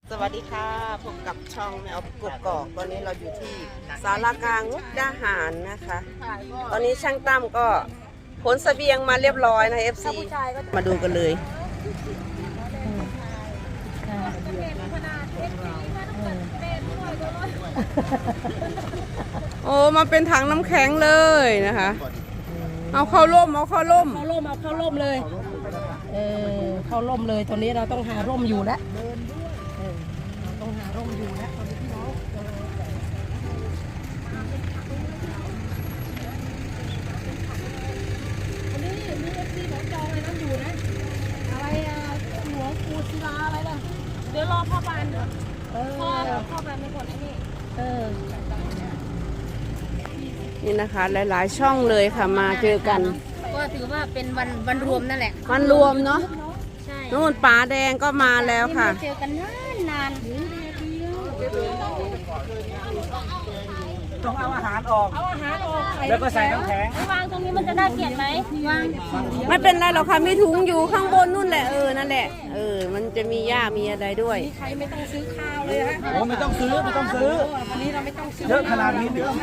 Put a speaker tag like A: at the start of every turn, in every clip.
A: สวัสดีค่ะพบกับช่องแมวกบกอกตอนนี้เราอยู่ที่ศาลากลางมุกดาหารนะคะ ตอนนี้ช่างตั้มก็ขนเสบียงมาเรียบร้อยนะ FC มาดูกันเลยโอ้มาเป็นถังน้ำแข็งเลยนะคะเอาเข้าร่มเอาเข้าร่ม
B: เลยเข้าร่มเลยตอนนี้เราต้องหาร่มอยู่แล้วต้องหาร่มอยู่แล้วตอนนี้พี่น้องวันนี้มีFCของจองอะไรนั่นอยู่นะอะไรหลวงปู่ศิลาอะไรล่ะ
C: เดี๋ยวรอพ่อบานเถอะพ่อบานไม่กดไอ้นี่
A: นี่นะคะหลายๆช่องเลยค่ะมาเจอกัน
C: ก็ถือว่าเป็นวันรวมนั่นแหละ
A: วันรวมเนาะ
C: ใช่
A: นู่นป๋าแดงก็มาแล้วค่ะ
C: เจอกันนาน
D: ต้องเอาอาหารออกแล้วก็ใส่น้ำแข็ง
C: วางตรงนี้มันจะได้เกียรติไหมวาง
A: ไม่เป็นไรหรอกค่ะมีถุงอยู่ข้างบนนู่นแหละนั่นแหละมันจะมีหญ้ามีอะไรด้วย
B: ใครไม่ต้องซื้อข้าวเลยฮะ
D: โอ้ไม่ต้องซื้อ
B: วันนี้เราไม่ต้องซื้อ
D: เยอะขนาดนี้
B: นะ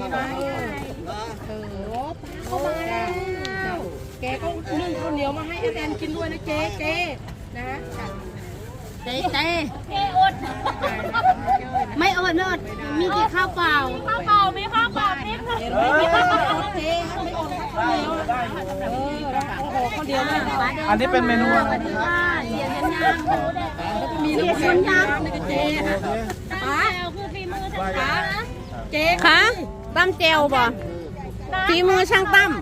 B: เข้ามาแล้วแกก็นึ่งข้าวเหนียวมาให้อาแดนกินด้วยนะเจ๊นะ
C: เจ๊อดไม่อดมีกี่ข้าวเปล่ามีข้าวเปล่านิดนึง
B: เจ๊ไม่อดข้าวเหนียวข้าวเดียว
D: อันนี้เป็นเมนูอะไร
B: มีเสียงยางเจ๊
C: ป้าคือฝีมือช่างป้านะ
B: เจ๊
A: คะตั้มเจลบ่ฝีมือช่างตั้ม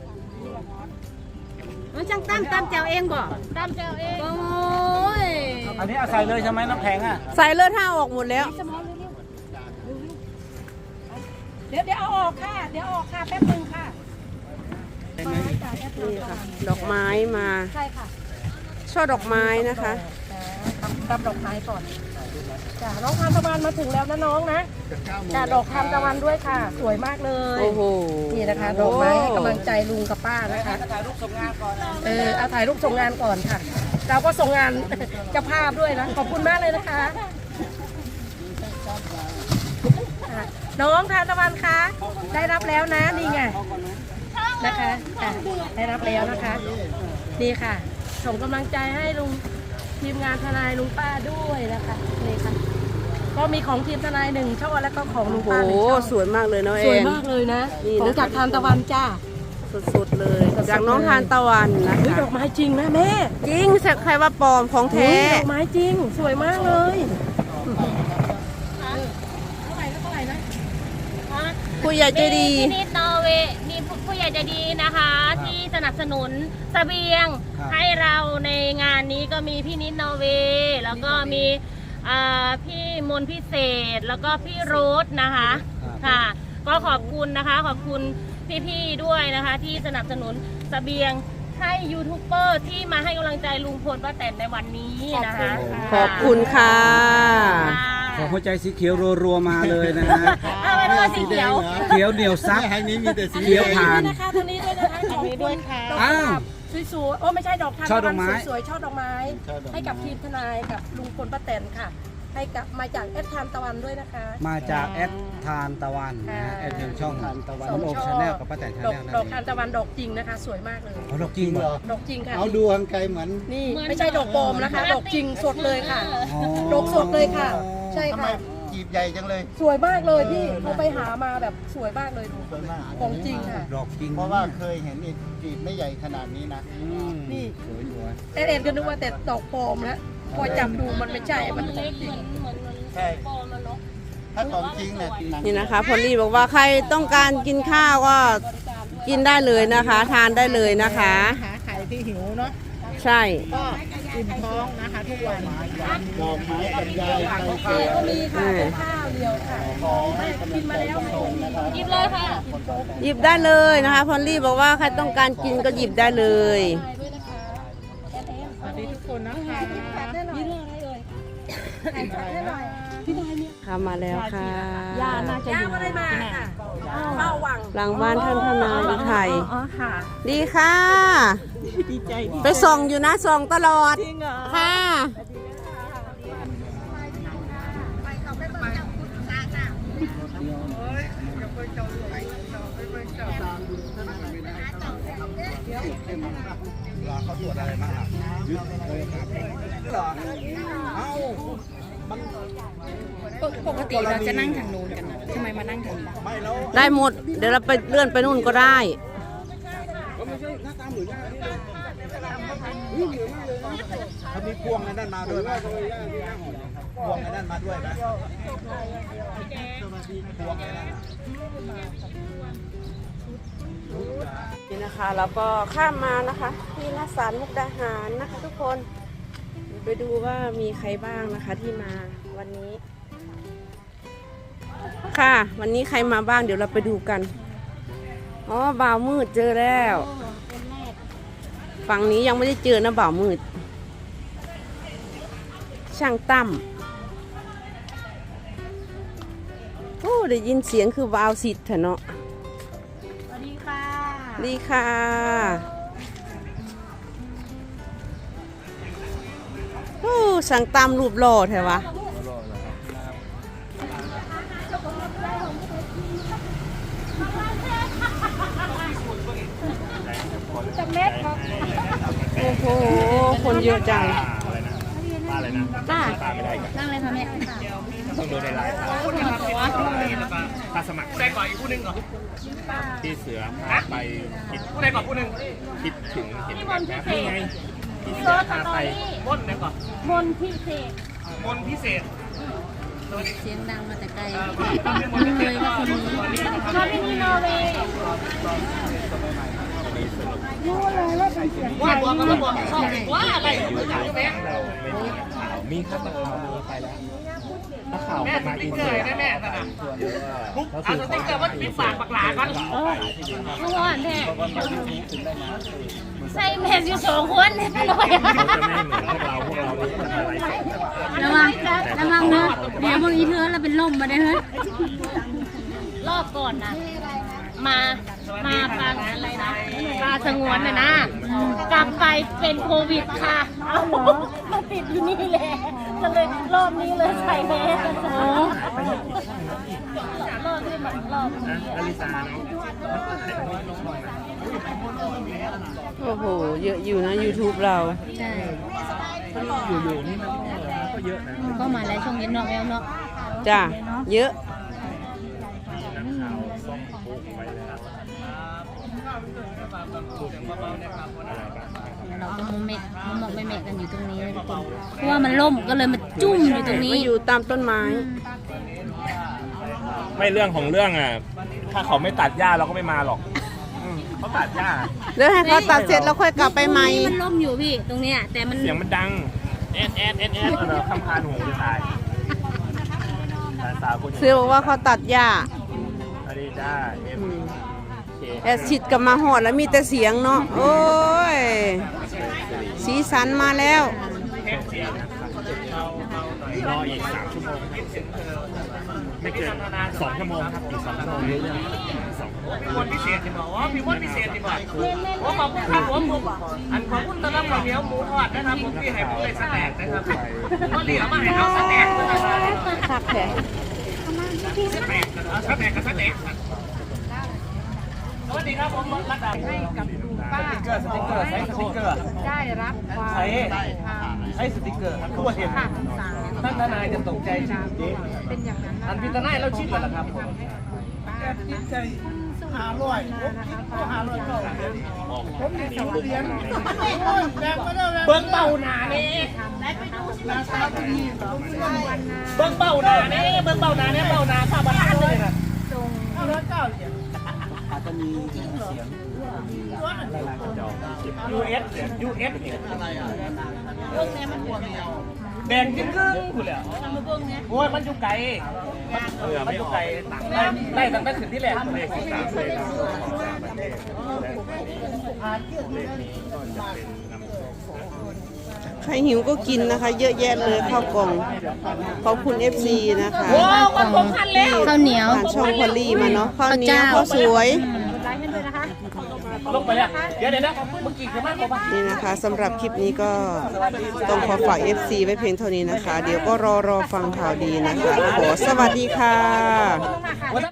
C: ช่างตั้มแจวเองบ่ตั้มแจวเองโอ้ย
D: อันนี้เอาใส่เลยใช่ไหมน้ำแข็งอ่ะ
A: ใส่เลือดท่าออกหมดแล้ว
B: เดี๋ยวเอาออกค่ะแป๊บนึงค่ะ
A: นี่ค่ะดอกไม้มา
B: ใช่ค่ะ
A: ช่อดอกไม้นะคะ
B: ทำดอกไม้ก่อนจ้ะน้องทานตะวันมาถึงแล้วนะน้องนะจ้ะดอกทานตะวันด้วยค่ะสวยมากเลย
A: โอ้โห
B: นี่นะคะดอกไม้ให้กำลังใจลุงกับป้านะคะ
D: ถ่ายรูปส่งงานก่อน
B: เอาถ่ายรูปส่งงานก่อนค่ะเราก็ส่งงานเจ้าภาพด้วยนะขอบคุณมากเลยนะคะน้องทานตะวันคะได้รับแล้วนะนี่ไงนะคะได้รับแล้วนะคะนี่ค่ะส่งกำลังใจให้ลุงทีมงานทนายลุงป้าด้วยนะคะนี่ค่ะก็มีของทีมทนาย1 ช่อแล้วก็ของลุงป้า1 ช่อ
A: สวยมากเลยน้องเอ็น
B: สวยมากเลยนะของจากทานตะวันจ้า
A: สุดๆเลยจากน้องทานตะวันนะคะ
B: ดอกไม้จริงนะแม่
A: จริงใครว่าปลอมของแท้
B: ดอกไม้จริงสวยมากเลย
A: ผู้ใหญ่ใจดี
C: พี่นิดนอร์เวย์มีผู้ใหญ่ใจดีนะคะที่สนับสนุนเสบียงให้เราในงานนี้ก็มีพี่นิดนอร์เวย์แล้วก็มีพี่มนพิเศษแล้วก็พี่โรสนะคะค่ะก็ขอบคุณนะคะขอบคุณพี่ๆด้วยนะคะที่สนับสนุนเสบียงให้ยูทูบเบอร์ที่มาให้กำลังใจลุงพลป้าแตนในวันนี้นะคะ
A: ขอบคุณค่ะ
D: ขอหัวใจสีเขียวรัวๆมาเลยนะฮะ
C: สีเขียว
D: เขียวเหนียวซับ
E: ให้นี้มีแต่สี
D: เขียวผ่าน
B: นะคะตรงนี้ด้วยนะคะของนี้ด้วยค่ะสวยๆโอ้ไม่ใช่ดอกทานตะวันสวยๆช่อดอกไม้ให้กับทีมทนายกับลุงพลป้าแตนค่ะให้กับมาจากแอดทานตะวันด้วยนะคะ
D: มาจากแอดทานตะวันนะแอดยังช่องทานตะวันโอมชาแนลกับป้าแตนชาแนล
B: ดอกทานตะวันดอกจริงนะคะสวยมากเลย
D: ดอกจริงเหรอ
B: ดอกจริงค่ะ
E: เอาดูทางไกลเหมือน
B: นี่ไม่ใช่ดอกปลอมนะคะดอกจริงสดเลยค่ะดอกสดเลยค่ะใช่ค่ะ
E: จีบใหญ่จังเลย
B: สวยมากเลยพี่เขาไปหามาแบบสวยมากเลยของจริงค่ะ
D: ดอกจริง
E: เพราะว่าเคยเห็นอีกจีบไม่ใหญ่ขนาดนี้นะ
B: นี่แต่เอ็นก็นึกว่าแต่ดอกปลอมแล้วพอจับดูมันไม่ใช่มัน
C: เล็กเหมือน
E: ใช่ถ้าของจริงเนี่ย
A: นี่นะคะพอลลี่บอกว่าใครต้องการกินข้าวก็กินได้เลยนะคะทานได้เลยนะคะ
B: ขายที่หิวเนาะ
A: ใช่
B: ก็อิ่มท้องนะคะทุกวัน
E: ดอกไม้กับยาย
B: เจก็มีค่ะข้าวเดียวค่ะกินมาแล้ว
C: หยิบเลยค่ะ
A: หยิบได้เลยนะคะพอลลี่บอกว่าใครต้องการกินก็หยิบได้เลย
B: สวัสดีทุกคนนะคะนี่เรื่องอะไรเอ่ย
A: ค่ะมาแล้วค่ะ
B: ย่าน่าจะอยู่อะไรมาค่ะเข้าวัง
A: หลังบ้านท่านทนายไทย
B: ค่ะ
A: ดีค่ะ
B: ดีใจ
A: ไปส่องอยู่นะส่องตลอดค่ะ
D: รอเขาตรวจอะไรบ้างล่ะยึดเลยครับเหรอเอ้ามัน
F: ปกติเราจะนั่งทางนู้นกันนะทำไมมานั่งทางนี้
D: ไม่แล้ว
A: ได้หมด เดี๋ยวเราไปเลื่อนไปนู่นก็ได้
D: ก็ไม่ใช่หน้าตาเหมือนกันนี่เหมือนมากเลยเขามีพวงในนั่นมาด้วยไหมพวงในนั่นมาด้วยไหมพวงในนั่น
A: นี่นะคะแล้วก็ข้ามมานะคะที่หน้าศาลมุกดาหารนะคะ ทุกคนไปดูว่ามีใครบ้างนะคะที่มาวันนี้ ค่ะวันนี้ใครมาบ้างเดี๋ยวเราไปดูกันอ๋อบ่าวมืดเจอแล้วฝั่งนี้ยังไม่ได้เจอนะบ่าวมืดช่างตั้มโอ้ได้ยินเสียงคือบ่าวสิทธิ์เถอะเนาะ
F: สวัสดีค่ะ
A: ดีค่ะโอ้สั่งตามรูปหล่อแท้วะ
F: จากเม็ดครับ
A: โอ้โห คนเยอะจัง
G: อะไรนะป้าไม่ได้กัน
F: นั่งเลยค่ะแม่
G: ต้องดูในไลน์ป้าสมัครใส่ก่อนอีกผู้หนึ่งก่อนพี่เสือพาไปคิดผู้ใดก่อนผู้หนึ่งคิดถึงเห็นแบบแบบนี้ไงพี่เสือพาไปม่นไหนก่อน
C: มนพิเศษ
G: มนพิเศษ
F: เสียงดังมาแต่ไกลเลยว่าคนนี้
C: ชอบที่นี่นอร์เวย์
G: ว่าตัวก็บอกว่าอะไรมีครับมีไปแล้วถ้าข่าวมาอินเดียแม่บุ๊กเอาสติ๊กเกอร์ว่าปิดปากปากหลากัน
C: เมื่อวานแท้ใส่แมสอยู่2 คนเนี่ยหน่อย
G: เขาจะไม่เหมือนพวกเราอะไร
F: ระวังเนอะเดี๋ยวบางอีเธอเราเป็นลมมาได้เฮ้ย
C: รอบก่อนนะมาปลาอะไรนะปลาสงวนน่ะนะกลับไปเป็นโควิดค่ะเอามาติดอยู่นี่แหละก็เลยรอบนี้เลยใส่แมสรอบที่มันรอบ
G: อลิซาเนาะ
A: โอ้โห เยอะอยู่นะ YouTube เรา
F: ใช่
G: อยู่นี่มันก็เยอะนะ
F: ก็มาแล้วช่วงเย็นเนาะแมวเนาะ
A: จ้ะ เยอะ
F: เราก็มองไม่เมะกันอยู่ตรงนี้เลยทุกคนเพราะว่ามันล่มก็เลยมาจุ่มอยู่ตรงนี้
A: มาอยู่ตามต้นไม้
G: ไม่เรื่องของเรื่องอ่ะถ้าเขาไม่ตัดหญ้าเราก็ไม่มาหรอกเขาตัดหญ้า
A: แล้วให้เขาตัดเสร็จแล้วค่อยกลับไปใหม่
F: มันล่มอยู่พี่ตรงเนี้ยแต่มัน
G: เสียงมันดังแอดคำพานหูจะตายสาวคน
A: เสือบอกว่าเขาตัดหญ้า
G: สวัสดีจ้าเค
A: แอดชิดกับมาหอดแล้วมีแต่เสียงเนาะ โอ้ย สีสันมาแล้ว
G: รออีก3 ชั่วโมงไม่เกิน2 ชั่วโมงครับอีก2 ชั่วโมงคนพิเศษจะบอกว่าพี่วันพิเศษจะบอกผมขอบคุณครับผมอันขอบคุณต้อนรับข้าวเหนียวหมูทอดนะครับผมที่ให้ผมเลยสแต็กนะครับก็เหลือมาให้เอาสแต็กนะครับ
A: คักแท้
G: สแต็กเอาสแต็กกับสแต็กสวัสดีครับผมรัตดาให้กับป้าสติ๊กเกอร์ใช้สติ๊กเกอร์ได้รับใช้สติ๊กเกอร์ทั่วเห็นท่านทนายจะตกใจจริงๆเป็นอย่างนั้นอันพิจารณาเราชิดแล้วครับผมเบิ้งเบาหนาเนี่ยเบิ้งเบาหนาเนี่ยเบิ้งเบาหนาเนี่ยเบาหนาข้าบ้านเลยนะ
D: อาจจะมีเสียง
G: US แดงจิ้มครึ่งคุณแล้วโอ้ยมันอยู่ไกลมันอยู่ไกลได้ตั้งแต่ขึ้นที่แรกเลย
A: ใครหิวก็กินนะคะ เยอะแยะเลยข้าวกล่อง ขอบคุณ FC นะคะ
F: ข้าวเหนียว
A: ผ่านช่องพอลลี่มาเนาะข้าวเหนียวข้าวสวย
G: ลงไปแล้วเดี๋ยวนะเมื่อกี้คือมากกว่า
A: นี่นะคะสำหรับคลิปนี้ก็ต้องขอฝาก FC ไว้เพียงเท่านี้นะคะ เดี๋ยวก็รอฟังข่าวดีนะคะขอสวัสดีค่ะ